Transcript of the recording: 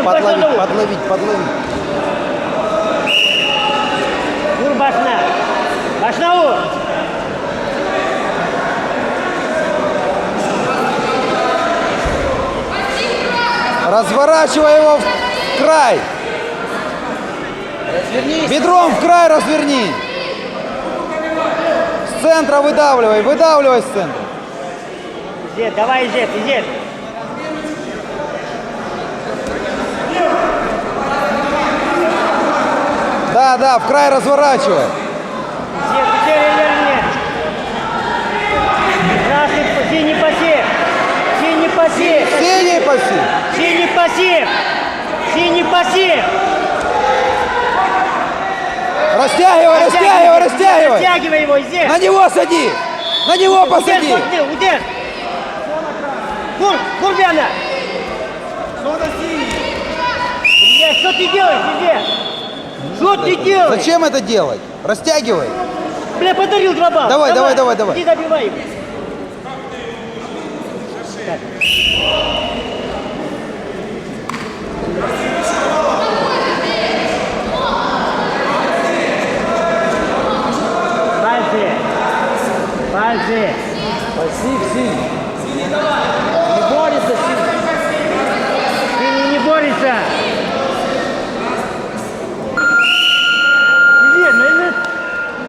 Подловить. Vur başına. Başına vur. Разворачивай его в край. Бедром в край разверни. С центра выдавливай с центра. Изет, давай, Изет. Да, в край разворачивай. Изет, верни. Красный, синий пассив. Синий пассив. Синий пассив. Растягивай. Растягивай его, Изет. На него сади. На него посади. Удер. Вур, Бяна. Изет, что ты делаешь, Изет? Что ты делаешь? Зачем это делать? Растягивай. Бля, подарил 2 балла. Давай. Иди добивай его. Так.